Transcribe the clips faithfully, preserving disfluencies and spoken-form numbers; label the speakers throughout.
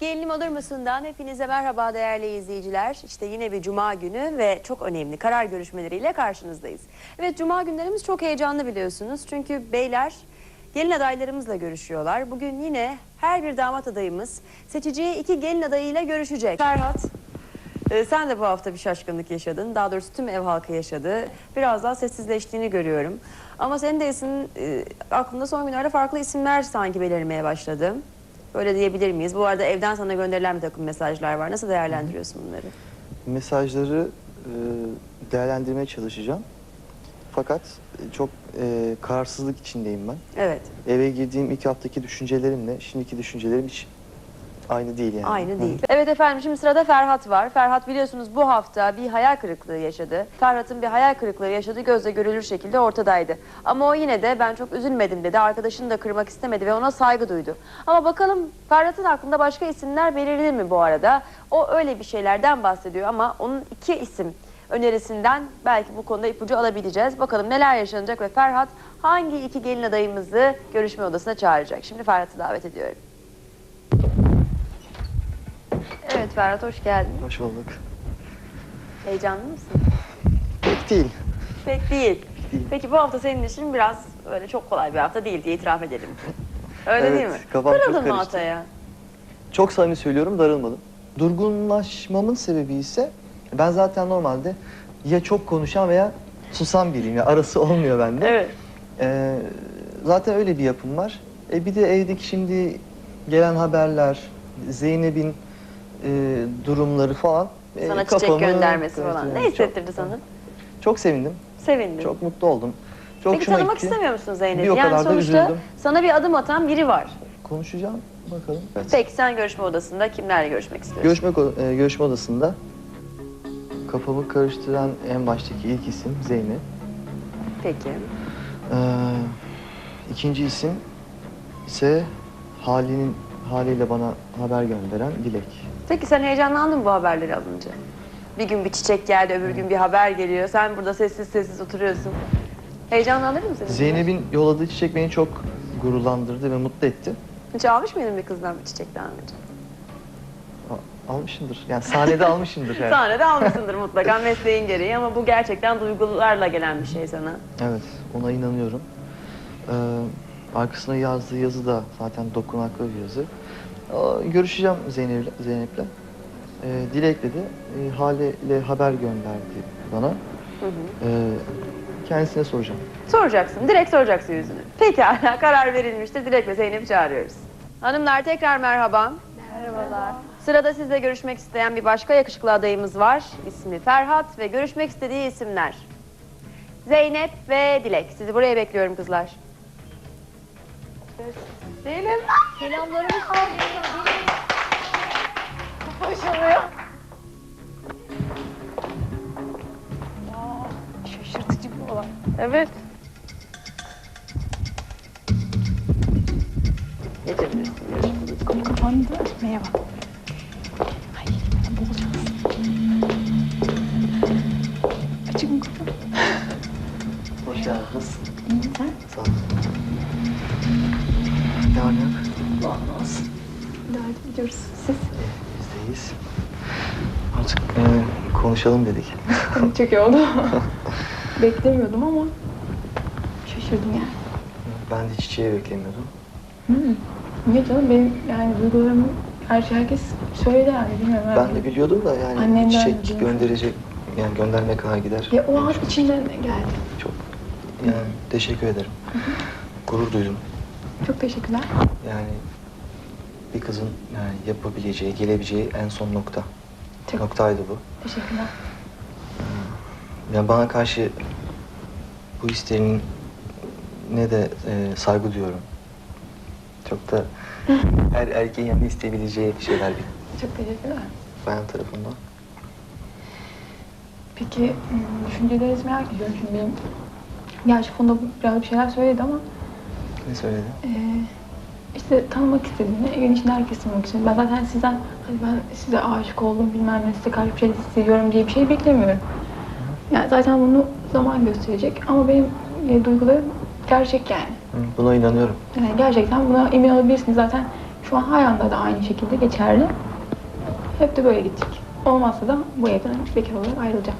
Speaker 1: Gelinim olur musundan hepinize merhaba değerli izleyiciler. İşte yine bir cuma günü ve çok önemli karar görüşmeleriyle karşınızdayız. Evet, cuma günlerimiz çok heyecanlı biliyorsunuz. Çünkü beyler gelin adaylarımızla görüşüyorlar. Bugün yine her bir damat adayımız seçeceği iki gelin adayıyla görüşecek. Ferhat, e, sen de bu hafta bir şaşkınlık yaşadın. Daha doğrusu tüm ev halkı yaşadı. Biraz daha sessizleştiğini görüyorum. Ama senin de isim, e, aklında son günlerde farklı isimler sanki belirmeye başladı. Öyle diyebilir miyiz? Bu arada evden sana gönderilen bir takım mesajlar var. Nasıl değerlendiriyorsun bunları?
Speaker 2: Mesajları e, değerlendirmeye çalışacağım. Fakat çok e, kararsızlık içindeyim ben.
Speaker 1: Evet.
Speaker 2: Eve girdiğim ilk haftaki düşüncelerimle şimdiki düşüncelerim hiç aynı değil yani.
Speaker 1: Aynı değil.
Speaker 2: Hı.
Speaker 1: Evet efendim, şimdi sırada Ferhat var. Ferhat biliyorsunuz bu hafta bir hayal kırıklığı yaşadı. Ferhat'ın bir hayal kırıklığı yaşadığı gözle görülür şekilde ortadaydı. Ama o yine de ben çok üzülmedim dedi. Arkadaşını da kırmak istemedi ve ona saygı duydu. Ama bakalım Ferhat'ın aklında başka isimler belirli mi bu arada? O öyle bir şeylerden bahsediyor ama onun iki isim önerisinden belki bu konuda ipucu alabileceğiz. Bakalım neler yaşanacak ve Ferhat hangi iki gelin adayımızı görüşme odasına çağıracak? Şimdi Ferhat'ı davet ediyorum. Evet Ferhat, hoş geldin.
Speaker 2: Hoş bulduk.
Speaker 1: Heyecanlı mısın?
Speaker 2: Pek değil.
Speaker 1: Pek değil.
Speaker 2: değil.
Speaker 1: Peki bu hafta senin için biraz öyle çok kolay bir hafta değil diye itiraf edelim. Öyle
Speaker 2: Evet,
Speaker 1: değil mi?
Speaker 2: kafam çok
Speaker 1: Kırıldın mı
Speaker 2: karıştı.
Speaker 1: Atay'a?
Speaker 2: Çok samimi söylüyorum, darılmadım. Durgunlaşmamın sebebi ise ben zaten normalde ya çok konuşan veya susan biriyim. Ya arası olmuyor bende.
Speaker 1: Evet.
Speaker 2: Ee, zaten öyle bir yapım var. E bir de evdeki şimdi gelen haberler, Zeynep'in e, durumları falan. e,
Speaker 1: Sana çiçek
Speaker 2: kafamı
Speaker 1: göndermesi
Speaker 2: karıştırıyor.
Speaker 1: falan. Ne
Speaker 2: Çok-
Speaker 1: hissettirdi sana?
Speaker 2: Çok sevindim.
Speaker 1: Sevindin.
Speaker 2: Çok mutlu oldum. Çok
Speaker 1: Peki
Speaker 2: hoşuma
Speaker 1: tanımak
Speaker 2: gitti.
Speaker 1: istemiyor musun Zeynep'i?
Speaker 2: Bir o
Speaker 1: Yani
Speaker 2: kadar da
Speaker 1: sonuçta
Speaker 2: üzüldüm.
Speaker 1: sana bir adım atan biri var.
Speaker 2: Konuşacağım bakalım. Evet.
Speaker 1: Peki sen görüşme odasında kimlerle görüşmek istiyorsun?
Speaker 2: Görüşme, ko- e, görüşme odasında kafamı karıştıran en baştaki ilk isim Zeynep.
Speaker 1: Peki.
Speaker 2: Ee, ikinci isim ise halinin haliyle bana haber gönderen Dilek.
Speaker 1: Peki sen heyecanlandın mı bu haberleri alınca? Bir gün bir çiçek geldi, öbür gün bir haber geliyor. Sen burada sessiz sessiz oturuyorsun. Heyecanlandırır mı seni?
Speaker 2: Zeynep'in yolladığı çiçek beni çok gururlandırdı ve mutlu etti.
Speaker 1: Hiç almış mıydın bir kızdan bir çiçek daha önce?
Speaker 2: A- almışımdır. Yani sahnede almışımdır. Yani.
Speaker 1: Sahnede almışsındır mutlaka mesleğin gereği ama bu gerçekten duygularla gelen bir şey sana.
Speaker 2: Evet, ona inanıyorum. Ee, arkasına yazdığı yazı da zaten dokunaklı bir yazı. Aa, görüşeceğim Zeynep'le. Zeynep'le. Ee, Dilek'le de e, haliyle haber gönderdi bana.
Speaker 1: Hı hı.
Speaker 2: Ee, kendisine soracağım.
Speaker 1: Soracaksın, direkt soracaksın yüzünü. Pekala, karar verilmiştir. Dilek ve Zeynep'i çağırıyoruz. Hanımlar tekrar merhaba.
Speaker 3: Merhabalar.
Speaker 1: Sırada sizle görüşmek isteyen bir başka yakışıklı adayımız var. İsmi Ferhat ve görüşmek istediği isimler Zeynep ve Dilek. Sizi buraya bekliyorum kızlar. Zeynep.
Speaker 3: Selamlarımı Hoş oluyor. Aa, şaşırtıcı bir olay.
Speaker 1: Evet. Geçebilirsin. Görüşürüz.
Speaker 3: Kapı kapandı. Merhaba. Ay, bulacağız. Açık mı kapı?
Speaker 2: Hoş geldiniz.
Speaker 3: İyi, sen?
Speaker 2: Sağ olun. Ne var ne yok?
Speaker 3: Allah olsun. İdare ediyoruz. Siz?
Speaker 2: Biz de iyiyiz. Artık e, konuşalım dedik.
Speaker 3: Çok iyi oldu. Beklemiyordum ama şaşırdım yani.
Speaker 2: Ben de çiçeği beklemiyordum.
Speaker 3: Hmm. Niye canım? Benim yani duygularımı her şey herkes söyledi yani. Bilmiyorum.
Speaker 2: Ben
Speaker 3: herhalde.
Speaker 2: de biliyordum da yani
Speaker 3: Annemden
Speaker 2: çiçek
Speaker 3: duydum.
Speaker 2: gönderecek, yani göndermeye kadar gider.
Speaker 3: Ya o an içinden geldi.
Speaker 2: Çok yani teşekkür ederim. Gurur duydum.
Speaker 3: Çok teşekkürler.
Speaker 2: Yani bir kızın yani yapabileceği, gelebileceği en son nokta.
Speaker 3: Çok
Speaker 2: Noktaydı bu.
Speaker 3: teşekkürler.
Speaker 2: Yani bana karşı bu hislerinin ne de e, saygı duyuyorum. Çok da her erkeğin yanında isteyebileceği şeyler bir
Speaker 3: Çok teşekkürler.
Speaker 2: bayan tarafından.
Speaker 3: Peki hmm, düşüncelerinizi merak ediyorum şimdi benim. Gerçi konuda biraz bir şeyler söyledi ama
Speaker 2: Ne söyledi?
Speaker 3: e, işte tanımak istediğini, evin içinde herkes tanımak istedi. Ben zaten sizden hani ben size aşık oldum bilmem ne, size karşı bir şey hissediyorum diye bir şey beklemiyorum. Yani zaten bunu zaman gösterecek ama benim e, duygularım gerçek yani.
Speaker 2: Hı, buna inanıyorum.
Speaker 3: Yani gerçekten buna emin olabilirsiniz zaten. Şu şu an hala da aynı şekilde geçerli. Hep de böyle gidecek. Olmazsa da bu evden bekar olarak ayrılacağım.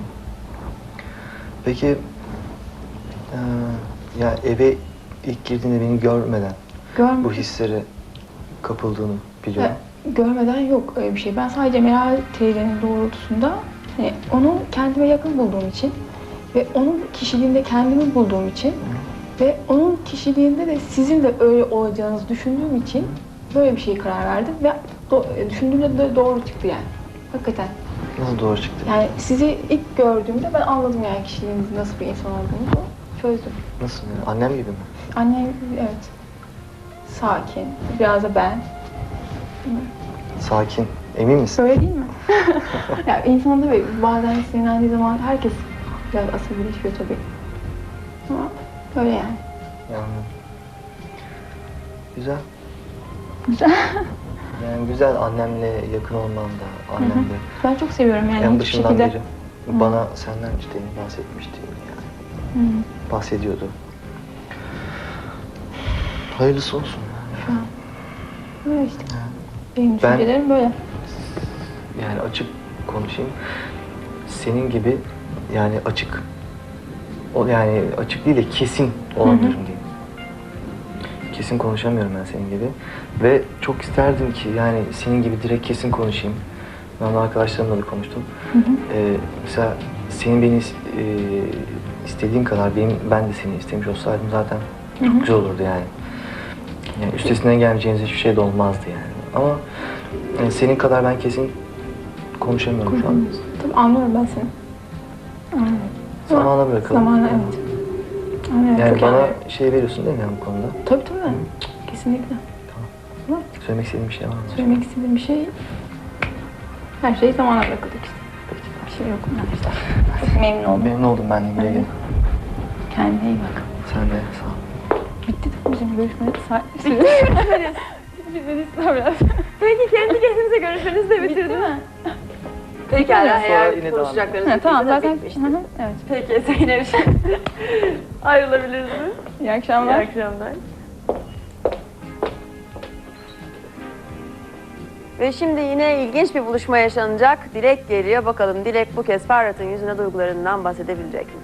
Speaker 2: Peki eee, ya eve ilk girdiğinde beni görmeden
Speaker 3: Görm
Speaker 2: bu hislere kapıldığını biliyorum.
Speaker 3: Ya, görmeden yok öyle bir şey. Ben sadece Meral teyzenin doğrultusunda hani onu kendime yakın bulduğum için ve onun kişiliğinde kendimi bulduğum için ve onun kişiliğinde de sizin de öyle olacağınızı düşündüğüm için böyle bir şeye karar verdim ve do- düşündüğümde de doğru çıktı yani. Hakikaten.
Speaker 2: Nasıl doğru çıktı?
Speaker 3: Yani sizi ilk gördüğümde ben anladım yani kişiliğinizin nasıl bir insan olduğunu. Çözdüm.
Speaker 2: Nasıl yani? Annem gibi mi?
Speaker 3: Annem evet. Sakin. Biraz da ben.
Speaker 2: Sakin. Emin misin?
Speaker 3: Öyle değil mi? Ya insan tabii bazen sinirlendiği zaman herkes biraz asabileşiyor tabii. Ama öyle yani.
Speaker 2: Yani. Güzel.
Speaker 3: Güzel.
Speaker 2: Yani güzel annemle yakın olman da, annemle
Speaker 3: Ben çok seviyorum yani
Speaker 2: en
Speaker 3: hiçbir
Speaker 2: başından
Speaker 3: şekilde.
Speaker 2: beri bana senden işte bahsetmişti yani.
Speaker 3: Hı.
Speaker 2: Bahsediyordu. Hayırlısı olsun.
Speaker 3: Şu an. Böyle işte. Benim
Speaker 2: Ben-
Speaker 3: düşüncelerim böyle.
Speaker 2: Yani açık konuşayım. Senin gibi yani açık o yani açık değil de kesin olamıyorum diyeyim. Kesin konuşamıyorum ben senin gibi. Ve çok isterdim ki yani senin gibi direkt kesin konuşayım. Ben de arkadaşlarımla da konuştum. Ee, mesela senin beni is- e, istediğin kadar benim ben de seni istemiş olsaydım zaten çok güzel olurdu yani. Yani üstesinden gelmeyeceğiniz hiçbir şey de olmazdı yani. Ama yani senin kadar ben kesin konuşamıyorum şu an.
Speaker 3: Tabii anlıyorum ben seni. Anlıyorum.
Speaker 2: Zamana bırakalım.
Speaker 3: Zamanla evet. Anlıyorum.
Speaker 2: Yani
Speaker 3: çok
Speaker 2: bana
Speaker 3: anlıyorum.
Speaker 2: şey veriyorsun değil mi yani bu konuda?
Speaker 3: Tabii tabii. Kesinlikle. Ama
Speaker 2: Söylemek istediğin bir şey var mı?
Speaker 3: söylemek istediğim bir şey her şey zamana bırakıldı işte. Bir şey yok bundan işte. Çok memnun oldum.
Speaker 2: Memnun oldum ben de güle güle.
Speaker 3: Kendine iyi bak.
Speaker 2: Sen de sağ ol.
Speaker 3: Bitti de bizim görüşmeleri saat biraz.
Speaker 1: Peki kendi kendinize görüşmenizi de bitirdiniz mi? Peki
Speaker 2: Sonra
Speaker 1: eğer
Speaker 2: yine devam
Speaker 1: konuşacaklarınız
Speaker 3: Ha, tamam
Speaker 1: bittiyse
Speaker 3: zaten.
Speaker 1: bitmiştir.
Speaker 3: Hı hı, evet.
Speaker 1: Peki Zeynep ayrılabiliriz mi?
Speaker 3: İyi akşamlar.
Speaker 1: İyi akşamlar. Ve şimdi yine ilginç bir buluşma yaşanacak. Dilek geliyor. Bakalım Dilek bu kez Ferhat'ın yüzüne duygularından bahsedebilecek mi?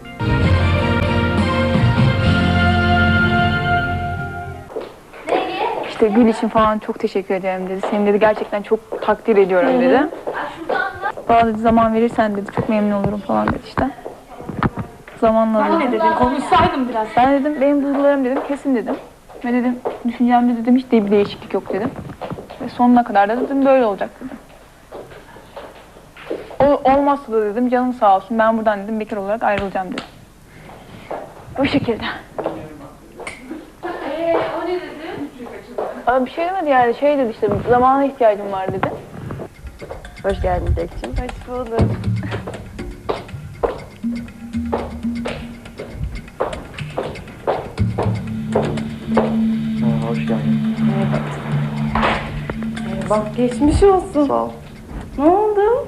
Speaker 3: İşte gül için falan çok teşekkür ederim dedi. Seni dedi gerçekten çok takdir ediyorum dedi. Bana dedi zaman verirsen dedi çok memnun olurum falan dedi işte. Zamanla dedi.
Speaker 4: Ne dedin? Konuşsaydım biraz.
Speaker 3: Ben dedim benim duygularım dedim kesin dedim. Ve dedim düşüncemde dedim hiç de bir değişiklik yok dedim. Ve sonuna kadar da dedim böyle olacak dedim. O olmazsa da dedim canım sağ olsun ben buradan dedim bekar olarak ayrılacağım dedim. Bu şekilde.
Speaker 4: Ee, o ne dedi?
Speaker 3: Abi bir şey demedi yani şey dedi işte zamana ihtiyacım var dedi.
Speaker 1: Hoş geldin Dilek'ciğim.
Speaker 3: Hoş bulduk.
Speaker 2: Ha, hoş geldin.
Speaker 4: Bak geçmiş olsun.
Speaker 2: Sağ ol.
Speaker 4: Ne oldu?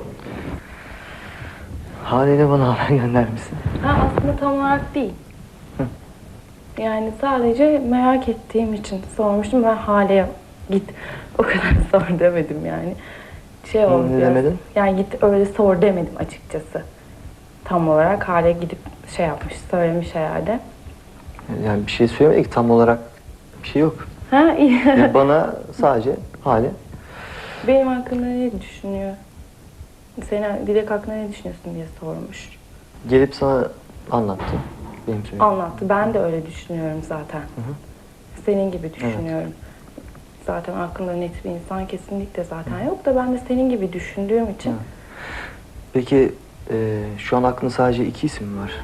Speaker 2: Haliyle bana haber göndermişsin.
Speaker 4: Ha, aslında tam olarak değil. Yani sadece merak ettiğim için sormuştum. Ben Hale'ye git o kadar sor demedim yani. Şey oldu
Speaker 2: Ne
Speaker 4: biraz.
Speaker 2: demedin?
Speaker 4: Yani git öyle sor demedim açıkçası. Tam olarak Hale gidip şey yapmış, söylemiş herhalde.
Speaker 2: Yani bir şey söylemedik tam olarak bir şey yok.
Speaker 4: Ha iyi.
Speaker 2: Yani bana sadece hali
Speaker 4: Benim hakkında ne düşünüyor? Senin Dilek hakkında ne düşünüyorsun diye sormuş.
Speaker 2: gelip sana anlattı. Benim söylediğim.
Speaker 4: Anlattı. Ben de öyle düşünüyorum zaten. Senin gibi düşünüyorum. Zaten aklında net bir insan kesinlikle zaten yok da ben de senin gibi düşündüğüm için.
Speaker 2: Hı. Peki e, şu an aklında sadece iki isim mi var?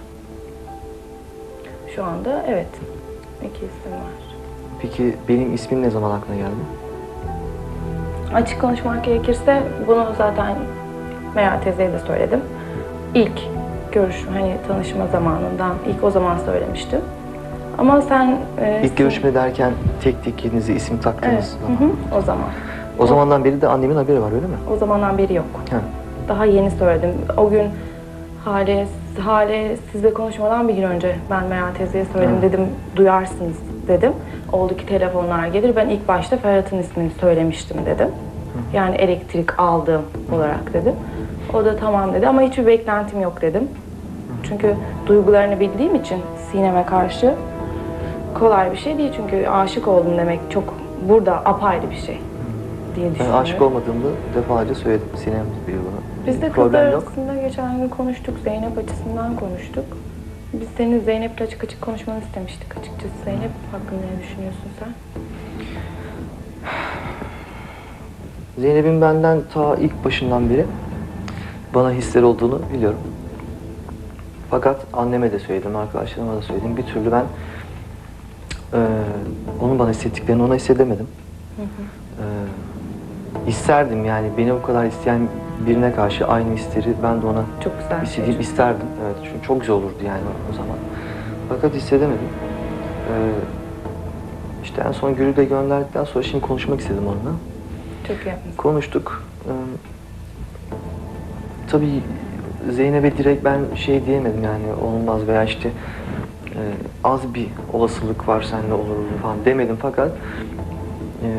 Speaker 4: Şu anda evet. İki isim var.
Speaker 2: Peki benim ismim ne zaman aklına geldi?
Speaker 4: Açık konuşmak gerekirse bunu zaten Meral teyzeye de söyledim. İlk görüşme, hani tanışma zamanından ilk o zaman söylemiştim. Ama sen... e,
Speaker 2: İlk görüşme derken tek tek kendinize isim taktığınız
Speaker 4: Evet,
Speaker 2: zaman.
Speaker 4: hı hı, o zaman.
Speaker 2: O zamandan beri de annemin haberi var öyle mi?
Speaker 4: O zamandan beri yok.
Speaker 2: Ha.
Speaker 4: Daha yeni söyledim. O gün Hale, Hale sizle konuşmadan bir gün önce ben Meral teyzeye söyledim,
Speaker 2: Evet.
Speaker 4: dedim duyarsınız dedim. Oldu ki telefonlar gelir, ben ilk başta Ferhat'ın ismini söylemiştim dedim. Yani elektrik aldığım olarak dedim. O da tamam dedi ama hiçbir beklentim yok dedim. Çünkü duygularını bildiğim için Sinem'e karşı kolay bir şey değil. Çünkü aşık oldum demek çok burada apayrı bir şey diye
Speaker 2: Ben
Speaker 4: düşünüyorum.
Speaker 2: aşık olmadığımı defalarca söyledim. Sinem biliyor bunu.
Speaker 4: Biz de
Speaker 2: Problem
Speaker 4: kızlar
Speaker 2: yok.
Speaker 4: arasında geçen gün konuştuk, Zeynep açısından konuştuk. Biz senin Zeynep'le açık açık konuşmanı istemiştik açıkçası. Zeynep hakkında ne düşünüyorsun sen?
Speaker 2: Zeynep'in benden ta ilk başından beri bana hisler olduğunu biliyorum. Fakat anneme de söyledim, arkadaşlarıma da söyledim. Bir türlü ben eee onun bana hissettiklerini ona hissedemedim.
Speaker 4: Hı hı.
Speaker 2: Eee isterdim yani beni bu kadar isteyen birine karşı aynı hisleri ben de ona
Speaker 4: Çok güzel bir şey.
Speaker 2: istediğim isterdim. Evet, çünkü çok güzel olurdu yani o zaman. Fakat hissedemedim. Eee işte en son Gül'ü de gönderdikten sonra şimdi konuşmak istedim onunla.
Speaker 4: Çok iyi yapmışsın.
Speaker 2: Konuştuk. Ee, tabii Zeynep'e direkt ben şey diyemedim yani olmaz veya işte e, az bir olasılık var seninle olur falan demedim fakat e,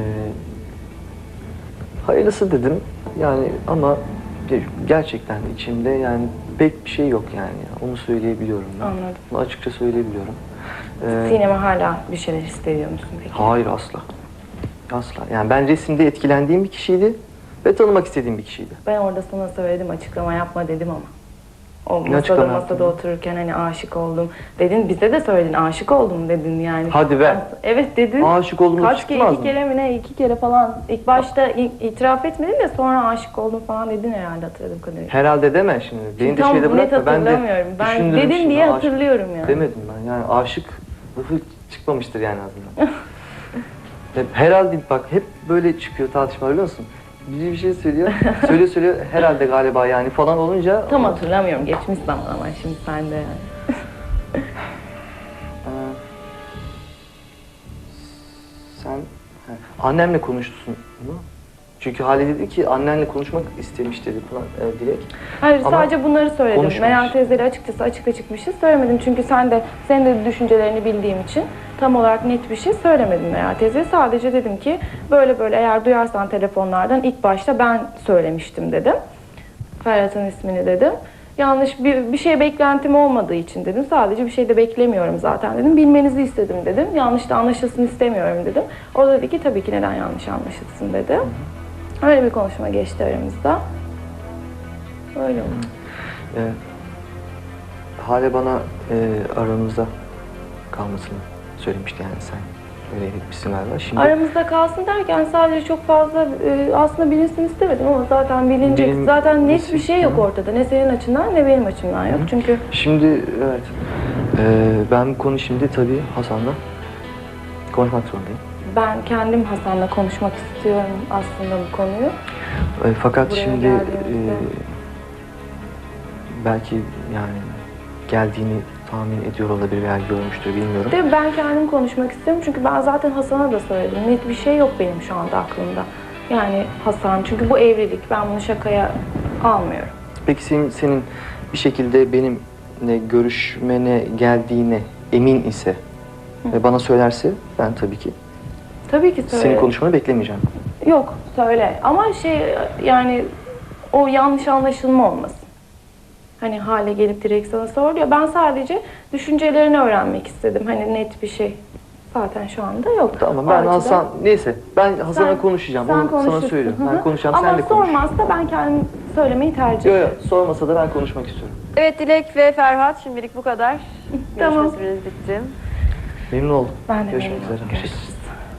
Speaker 2: hayırlısı dedim yani ama gerçekten içimde yani pek bir şey yok yani onu söyleyebiliyorum ben.
Speaker 4: Anladım.
Speaker 2: Bunu açıkça söyleyebiliyorum. Ee,
Speaker 4: Sinem'e hala bir şeyler hissediyor musun peki?
Speaker 2: Hayır asla. Asla. Yani ben resimde etkilendiğim bir kişiydi ve tanımak istediğim bir kişiydi.
Speaker 4: Ben orada sana söyledim, açıklama yapma dedim ama. O
Speaker 2: Ne
Speaker 4: masada
Speaker 2: açıklama
Speaker 4: masada
Speaker 2: yaptın?
Speaker 4: otururken hani aşık oldum dedin, bize de söyledin aşık oldum dedin yani.
Speaker 2: Hadi be.
Speaker 4: Evet dedin.
Speaker 2: Aşık olduğumda
Speaker 4: Kaç kere,
Speaker 2: çıkmaz
Speaker 4: iki
Speaker 2: mı?
Speaker 4: kere mi ne, iki kere falan. İlk başta i- itiraf etmedin de sonra aşık oldum falan dedin herhalde hatırladığım kadarıyla.
Speaker 2: Herhalde deme şimdi. Beni de
Speaker 4: Tam
Speaker 2: şeyde
Speaker 4: net
Speaker 2: bırakma. Ben de
Speaker 4: hatırlamıyorum. Ben
Speaker 2: düşündüm
Speaker 4: dedin
Speaker 2: şimdi,
Speaker 4: diye
Speaker 2: aşık
Speaker 4: hatırlıyorum yani.
Speaker 2: Demedim ben. Yani aşık lafı çıkmamıştır yani ağzımdan. Hep, herhalde bak hep böyle çıkıyor tartışma biliyor musun? Biri bir şey söylüyor, söylüyor söylüyor herhalde galiba yani falan olunca...
Speaker 4: Tam hatırlamıyorum. Geçmiş zaman ama şimdi sende yani.
Speaker 2: Ee, sen he, annemle konuştun mu? Çünkü Hale dedi ki annenle konuşmak istemiş dedi falan e, direkt.
Speaker 4: Hayır
Speaker 2: Ama
Speaker 4: sadece bunları söyledim.
Speaker 2: konuşmamış.
Speaker 4: Meral teyzeyle açıkçası açık açık bir şey söylemedim. Çünkü sen de senin de düşüncelerini bildiğim için tam olarak net bir şey söylemedim Meral teyzeye. Sadece dedim ki böyle böyle eğer duyarsan telefonlardan ilk başta ben söylemiştim dedim. Ferhat'ın ismini dedim. Yanlış bir, bir şey beklentim olmadığı için dedim. Sadece bir şey de beklemiyorum zaten dedim. Bilmenizi istedim dedim. Yanlış da anlaşılsın istemiyorum dedim. O da dedi ki tabii ki neden yanlış anlaşılsın dedi. Öyle bir konuşma geçti aramızda. Öyle oldu.
Speaker 2: E, Hale bana e, aramızda kalmasını söylemişti yani sen öyle etmişsin galiba. Şimdi
Speaker 4: Aramızda kalsın derken sadece çok fazla e, aslında bilinsin istemedim ama zaten bilinecek.
Speaker 2: Benim-
Speaker 4: zaten net bir şey yok
Speaker 2: Hı.
Speaker 4: ortada. Ne senin açından ne benim açımdan yok. Çünkü
Speaker 2: Şimdi evet e, ben bu konu şimdi tabii Hasan'la konuşmak zorundayım.
Speaker 4: ben kendim Hasan'la konuşmak istiyorum aslında bu konuyu.
Speaker 2: E, fakat
Speaker 4: Buraya
Speaker 2: şimdi
Speaker 4: geldiğimizde-
Speaker 2: e, belki yani geldiğini tahmin ediyor olabilir veya görmüştür bilmiyorum.
Speaker 4: De ben kendim konuşmak istiyorum çünkü ben zaten Hasan'a da söyledim. Net bir şey yok benim şu anda aklımda. Yani Hasan çünkü bu evlilik ben bunu şakaya almıyorum.
Speaker 2: Peki senin, senin bir şekilde benimle görüşmene geldiğine emin ise ve bana söylerse ben tabii ki
Speaker 4: Tabii ki söyle.
Speaker 2: senin konuşmanı beklemeyeceğim.
Speaker 4: Yok söyle ama şey yani o yanlış anlaşılma olmasın. Hani Hale gelip direkt sana sordu ya ben sadece düşüncelerini öğrenmek istedim. Hani net bir şey zaten şu anda yok.
Speaker 2: Tamam
Speaker 4: O
Speaker 2: ben
Speaker 4: açıdan-
Speaker 2: Hasan neyse ben Hasan'a
Speaker 4: Sen-
Speaker 2: konuşacağım.
Speaker 4: sen
Speaker 2: Onu sana
Speaker 4: konuşursun.
Speaker 2: söylüyorum.
Speaker 4: Hı hı.
Speaker 2: Ben konuşacağım
Speaker 4: Ama
Speaker 2: sen de konuş.
Speaker 4: sormazsa ben kendim söylemeyi tercih
Speaker 2: Yok
Speaker 4: ederim.
Speaker 2: yok sormasa da ben konuşmak istiyorum.
Speaker 1: Evet Dilek ve Ferhat şimdilik bu kadar.
Speaker 4: Tamam.
Speaker 1: Görüşme süreniz bitti.
Speaker 2: Memnun oldum.
Speaker 4: Ben de
Speaker 2: Görüşmek
Speaker 4: memnun
Speaker 2: üzere.
Speaker 4: oldum. Görüşürüz.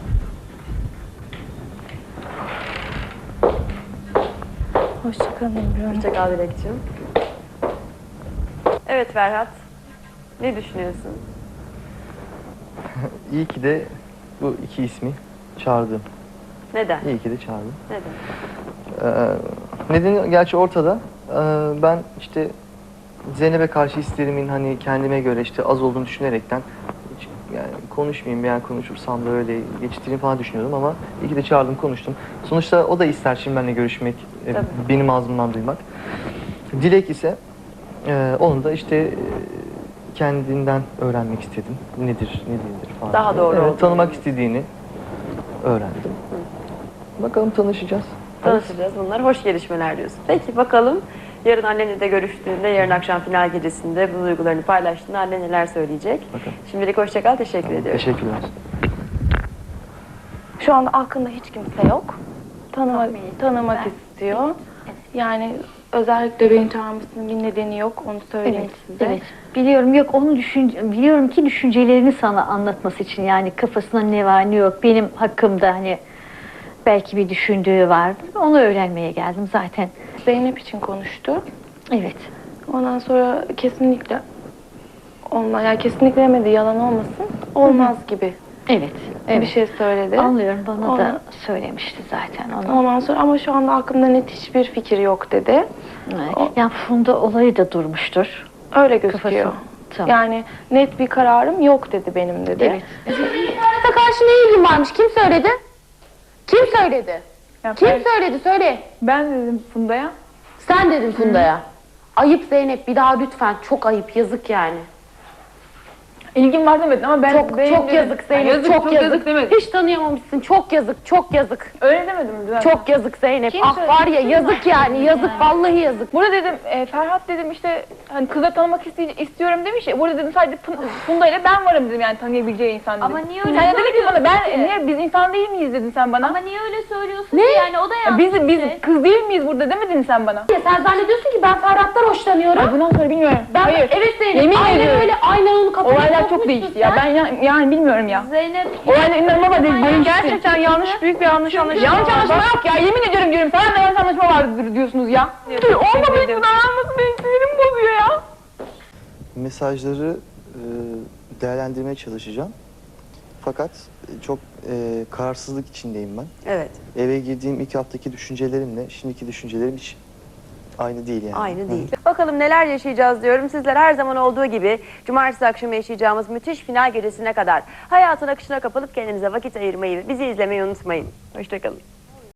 Speaker 4: Hoşçakalın Emre Hanım.
Speaker 1: Hoşça kal Dilek'ciğim. Evet Ferhat. Ne düşünüyorsun?
Speaker 2: İyi ki de bu iki ismi çağırdım.
Speaker 1: Neden?
Speaker 2: İyi ki de çağırdım.
Speaker 1: Neden?
Speaker 2: Ee, nedeni gerçi ortada. Ee, ben işte Zeynep'e karşı hislerimin hani kendime göre işte az olduğunu düşünerekten hiç yani konuşmayayım veya konuşursam da öyle geçiştireyim falan düşünüyordum ama iyi ki de çağırdım konuştum. Sonuçta o da ister şimdi benimle görüşmek, e,
Speaker 1: Tabii.
Speaker 2: benim ağzımdan duymak. Dilek ise Ee, onu da işte e, kendinden öğrenmek istedim. Nedir, ne değildir falan.
Speaker 1: Daha
Speaker 2: diye.
Speaker 1: doğru
Speaker 2: Evet,
Speaker 1: olduğunu.
Speaker 2: tanımak istediğini öğrendim. Bakalım tanışacağız.
Speaker 1: Tanışacağız. Bunlar hoş gelişmeler diyorsun. Peki bakalım yarın annenle de görüştüğünde, yarın akşam final gecesinde bu duygularını paylaştığında anne neler söyleyecek?
Speaker 2: Bakalım.
Speaker 1: Şimdilik hoşça kal, teşekkür ediyorum.
Speaker 2: Teşekkürler.
Speaker 4: Şu anda aklında hiç kimse yok. Tanımak,
Speaker 5: Tahmin ettim
Speaker 4: tanımak
Speaker 5: ben.
Speaker 4: istiyor. Yani özellikle beni çağırmasının bir nedeni yok. Onu söyleyeyim
Speaker 5: Evet,
Speaker 4: size.
Speaker 5: evet. Biliyorum yok onu düşün biliyorum ki düşüncelerini sana anlatması için yani kafasında ne var ne yok benim hakkımda hani belki bir düşündüğü vardı. Onu öğrenmeye geldim zaten.
Speaker 4: Zeynep için konuştu.
Speaker 5: Evet.
Speaker 4: Ondan sonra kesinlikle olmaz. Yani kesinlikle demedi, yalan olmasın. Olmaz gibi
Speaker 5: Evet. Evet.
Speaker 4: bir şey söyledi.
Speaker 5: Anlıyorum bana
Speaker 4: Onu-
Speaker 5: da söylemişti zaten onu.
Speaker 4: Ondan sonra ama şu anda aklımda net hiçbir fikir yok dedi. O-
Speaker 5: Yani Funda olayı da durmuştur.
Speaker 4: Öyle gözüküyor.
Speaker 5: Kafası. Tamam.
Speaker 4: Yani net bir kararım yok dedi benim dedi.
Speaker 5: Evet.
Speaker 6: İnternete karşı ne ilgin varmış? Kim söyledi? Kim söyledi? Kim söyledi? Söyle.
Speaker 3: Ben dedim Funda'ya.
Speaker 6: Sen dedin Funda'ya. Ayıp Zeynep, bir daha lütfen. Çok ayıp, yazık yani.
Speaker 3: İlgim var demedin ama ben...
Speaker 6: Çok
Speaker 3: benim
Speaker 6: çok
Speaker 3: dedim.
Speaker 6: yazık Zeynep,
Speaker 3: Yani yazık,
Speaker 6: çok yazık.
Speaker 3: demedim.
Speaker 6: Hiç tanıyamamışsın. Çok yazık, çok yazık.
Speaker 3: Öyle demedim zaten.
Speaker 6: Çok yazık Zeynep.
Speaker 5: Kim
Speaker 6: ah
Speaker 5: söyledi?
Speaker 6: var ya,
Speaker 5: Kim
Speaker 6: yazık
Speaker 5: var?
Speaker 6: yani. Yazık, vallahi yazık.
Speaker 3: Burada dedim e, Ferhat dedim işte hani kızla tanımak iste- istiyorum demiş ya. Burada dedim sadece Fun- Funda ile ben varım dedim yani tanıyabileceği insan dedim.
Speaker 5: Ama niye öyle
Speaker 3: Sen de dedin ki bana ben
Speaker 5: söylüyorsun ki?
Speaker 3: niye biz insan değil miyiz dedin sen bana.
Speaker 5: Ama niye öyle söylüyorsun ki yani o da
Speaker 3: Ya
Speaker 5: yanlış.
Speaker 3: biz biz
Speaker 5: işte.
Speaker 3: kız değil miyiz burada demedin sen bana.
Speaker 6: Ya sen zannediyorsun ki ben Ferhat'tan hoşlanıyorum.
Speaker 3: Ay bundan sonra bilmiyorum.
Speaker 6: Ben,
Speaker 3: Hayır.
Speaker 6: evet Zeynep,
Speaker 3: Yemin
Speaker 6: aynen
Speaker 3: ediyorum.
Speaker 6: öyle. Aynen onu kafana
Speaker 3: Olaylar çok
Speaker 6: sokmuşsun
Speaker 3: değişti ya.
Speaker 6: sen.
Speaker 3: Ben ya- yani bilmiyorum ya.
Speaker 5: Zeynep
Speaker 3: Olaylar inanılmaz değişti.
Speaker 4: Gerçekten yanlış, büyük bir yanlış anlaşılma.
Speaker 3: Yanlış anlaşma yok ya. Yemin ediyorum diyorum. Sana da yanlış anlaşma vardır diyorsunuz ya. Dur olma büyük bir davranması benim sinirimi bozuyor ya.
Speaker 2: Mesajları e, değerlendirmeye çalışacağım. Fakat e, çok e, kararsızlık içindeyim ben.
Speaker 1: Evet,
Speaker 2: Eve girdiğim ilk haftaki düşüncelerimle şimdiki düşüncelerim hiç aynı değil yani.
Speaker 1: aynı
Speaker 2: Hı.
Speaker 1: değil. Bakalım neler yaşayacağız diyorum. Sizler her zaman olduğu gibi cumartesi akşamı yaşayacağımız müthiş final gecesine kadar hayatın akışına kapılıp kendinize vakit ayırmayı, bizi izlemeyi unutmayın. Hoşçakalın.